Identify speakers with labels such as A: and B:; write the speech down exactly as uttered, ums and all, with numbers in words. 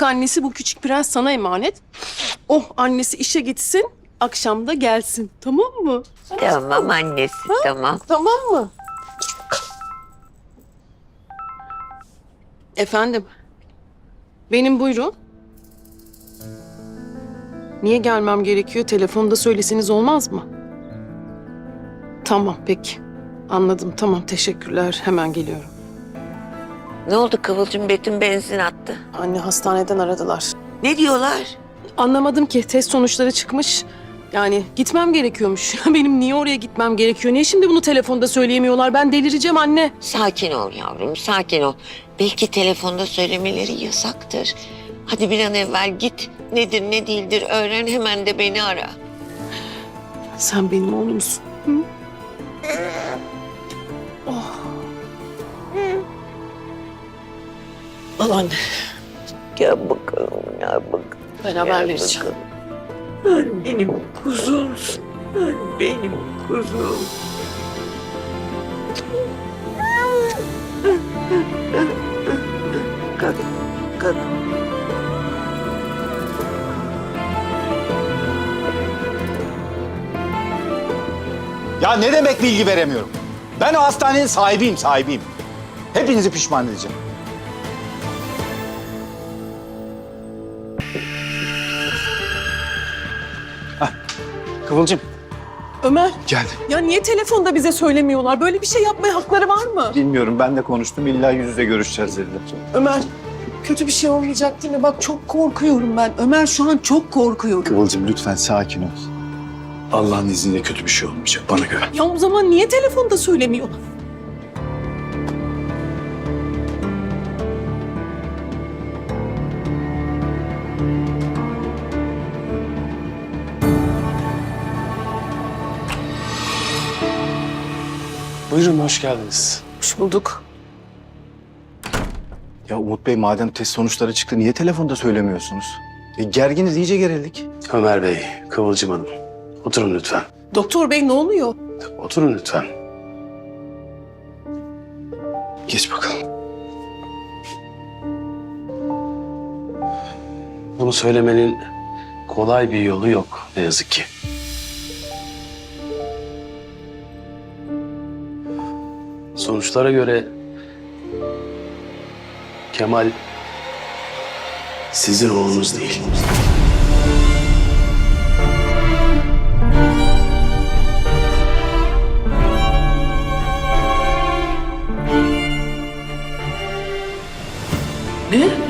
A: büyük annesi bu küçük prens sana emanet. Oh annesi işe gitsin, akşam da gelsin. Tamam mı?
B: Tamam annesi, tamam.
A: Tamam mı? Efendim? Benim buyurun. Niye gelmem gerekiyor? Telefonda söyleseniz olmaz mı? Tamam peki. Anladım tamam teşekkürler. Hemen geliyorum.
B: Ne oldu Kıvılcım? Betül benzin attı.
A: Anne hastaneden aradılar.
B: Ne diyorlar?
A: Anlamadım ki test sonuçları çıkmış. Yani gitmem gerekiyormuş. Benim niye oraya gitmem gerekiyor? Niye şimdi bunu telefonda söyleyemiyorlar? Ben delireceğim anne.
B: Sakin ol yavrum, sakin ol. Belki telefonda söylemeleri yasaktır. Hadi bir an evvel git. Nedir ne değildir öğren, hemen de beni ara.
A: Sen benim oğlumsun. Hı? Oh. Al anne.
B: Gel bakalım, gel bakalım.
A: Ben haber vereceğim.
B: Sen benim kuzumsun. Sen benim kuzum. Kalk, kalk.
C: Ya ne demek bilgi veremiyorum? Ben o hastanenin sahibiyim, sahibiyim. Hepinizi pişman edeceğim. Hah, Kıvılcım.
A: Ömer,
C: Geldi.
A: ya niye telefonda bize söylemiyorlar? Böyle bir şey yapmaya hakları var mı?
C: Bilmiyorum, ben de konuştum. İlla yüz yüze görüşeceğiz dediler.
A: Ömer, kötü bir şey olmayacak değil mi? Bak çok korkuyorum ben. Ömer şu an çok korkuyorum.
C: Kıvılcım lütfen sakin ol. Allah'ın izniyle kötü bir şey olmayacak, bana göre.
A: Ya o zaman niye telefonda söylemiyorlar?
D: Buyurun, hoş geldiniz.
A: Hoş bulduk.
C: Ya Umut Bey, madem test sonuçları çıktı, niye telefonda söylemiyorsunuz? E, gerginiz, iyice gerildik.
D: Ömer Bey, Kıvılcım Hanım. Oturun lütfen.
A: Doktor bey ne oluyor?
D: Oturun lütfen.
C: Geç bakalım.
D: Bunu söylemenin kolay bir yolu yok ne yazık ki. Sonuçlara göre Kemal sizin oğlunuz değil.
A: Ne?